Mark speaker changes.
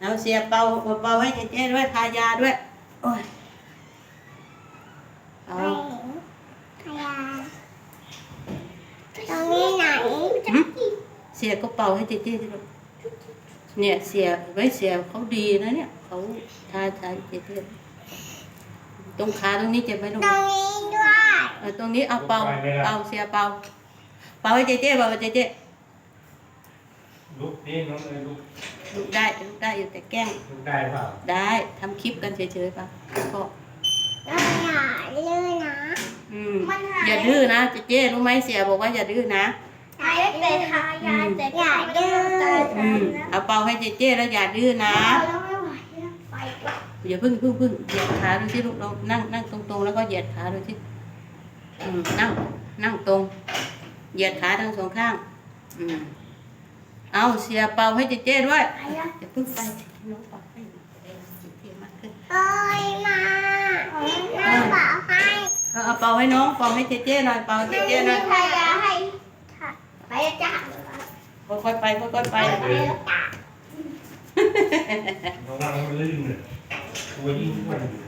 Speaker 1: เอาเสียเป่าให้เจ๊ด้วยทายาด้วยโอ้ยเอา
Speaker 2: พยาตรงนี้ไหน
Speaker 1: เสียก็เป่าให้เจ๊สิลูกเนี่ยเสียไว้เสียเขาดีนะเนี่ยเขาทาเจ๊ตรงขาตรงนี้เจ็บไหมลูก
Speaker 2: ตรงนี้ด้วย
Speaker 1: ตรงนี้เอาเป่าเสียเป่าให้เจ๊เป่าให้เจ๊
Speaker 3: ลุกนี่น้องเลยลุก
Speaker 1: ลูกได้อยู่แต่แกล้ง
Speaker 3: ลุกได้เปล่า
Speaker 1: ได้ทำคลิปกันเฉยๆป่ะก็
Speaker 2: เราอย่าลื่นนะ
Speaker 1: อย่าดื้อนะเจ๊รู้ไหมเสียบอกว่าอย่าดื้อนะ
Speaker 2: หายแต่ทายาแต่อย่าดื้อ
Speaker 1: เอาเป่าให้เจ๊แล้วอย่าดื้อนะ
Speaker 2: แล้วไม่ไหวแล้วไปก่อน
Speaker 1: อย่าพึ่งเหยียดขาดูสิลูกเรานั่งตรงๆแล้วก็เหยียดขาดูสินั่งตรงเหยียดขาทั้งสองข้างเอาเสียเป่าให้เจ๊ด้วยอย่าพึ่งไปน้องเป่าให้เจ๊มากขึ้น
Speaker 2: เอ้ยมาเป่าให้
Speaker 1: เอาเป่าให้น้องเป่าให้เจ๊หน่อยเป่าให้เจ๊หน่อย
Speaker 2: พยาให้ไปจ้า
Speaker 1: ค่อยๆไป
Speaker 3: ระวังมันลื่นเลยตัวยิ่งอ้วนอยู่